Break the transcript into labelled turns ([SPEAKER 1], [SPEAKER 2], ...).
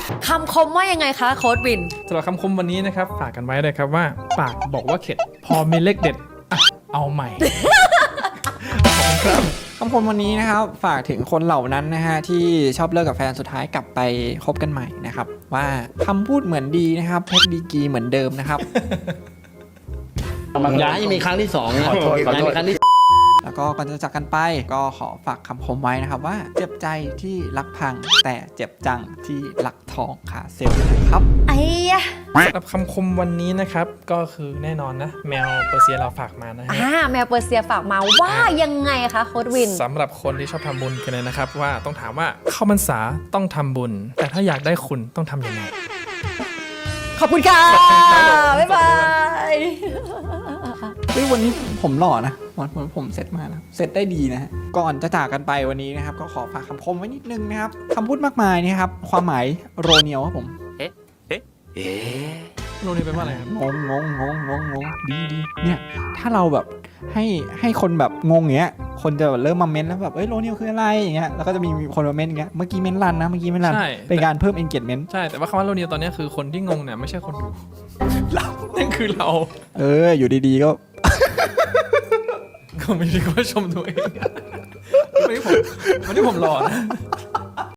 [SPEAKER 1] คำคมว่ายังไงคะโค้ดวิน
[SPEAKER 2] สำหรับคำคมวันนี้นะครับฝากกันไว้เลยครับว่าปากบอกว่าเข็ดพอมีเลขเด็ดอ่ะเอาใหม่
[SPEAKER 3] คำคมวันนี้นะครับฝากถึงคนเหล่านั้นนะฮะที่ชอบเลิกกับแฟนสุดท้ายกลับไปคบกันใหม่นะครับว่าคำพูดเหมือนดีนะครับเพชรดีกรีเหมือนเดิมนะครับ
[SPEAKER 4] อย่าให้มีครั้งที่สองนะ
[SPEAKER 3] ขอโทษ
[SPEAKER 4] อย่าให้มีครั้งที่
[SPEAKER 3] แล้วก็ก่อนจะจากกันไปก็ขอฝากคำคมไว้นะครับว่าเจ็บใจที่รักพังแต่เจ็บจังที่รักทองขาเซลล์นะครับ
[SPEAKER 1] ไอ้ยะ
[SPEAKER 2] สำหรับคำคมวันนี้นะครับก็คือแน่นอนนะแมวเปอร์เซียเราฝากมานะฮะ
[SPEAKER 1] แมวเปอร์เซียฝากมาว่ายังไงคะโค้ดวิน
[SPEAKER 2] สำหรับคนที่ชอบทำบุญกันเลยนะครับว่าต้องถามว่าเข้าพรรษาต้องทำบุญ แต่ถ้าอยากได้คุณต้องทำยังไง
[SPEAKER 1] ขอบคุณค่ะ บ๊ายบาย
[SPEAKER 3] เฮ้ยวันนี้ผมหล่อนะวันผมเซตมานะเซตได้ดีนะฮะก่อนจะจากกันไปวันนี้นะครับก็ขอฝากคำคมไว้นิดนึงนะครับคำพูดมากมายนี่ครับความหมายโรเนียวครับผม
[SPEAKER 2] โรงเรียนเป็นว่าอะไรครับ
[SPEAKER 3] งงดีเนี่ยถ้าเราแบบให้คนแบบงงอย่างเงี้ยคนจะแบบเริ่มมาเม้นแล้วแบบเอ้ยโรเนียวคืออะไรอย่างเงี้ยแล้วก็จะมีคนมาเม้นอย่างเงี้ยเมื่อกี้เม้นรันนะเมื่อกี้เม้นรัน
[SPEAKER 2] ใช่
[SPEAKER 3] เป็นการเพิ่ม engagement
[SPEAKER 2] ใช่แต่ว่าคำว่าโรงเรียนตอนนี้คือคนที่งงเนี่ยไม่ใช่คนดู เรานั่นคือเรา
[SPEAKER 3] อยู่ดีๆก็
[SPEAKER 2] ก็ไม่ได้ก็ชมตัวเองวันนี้ผมหล่อนะ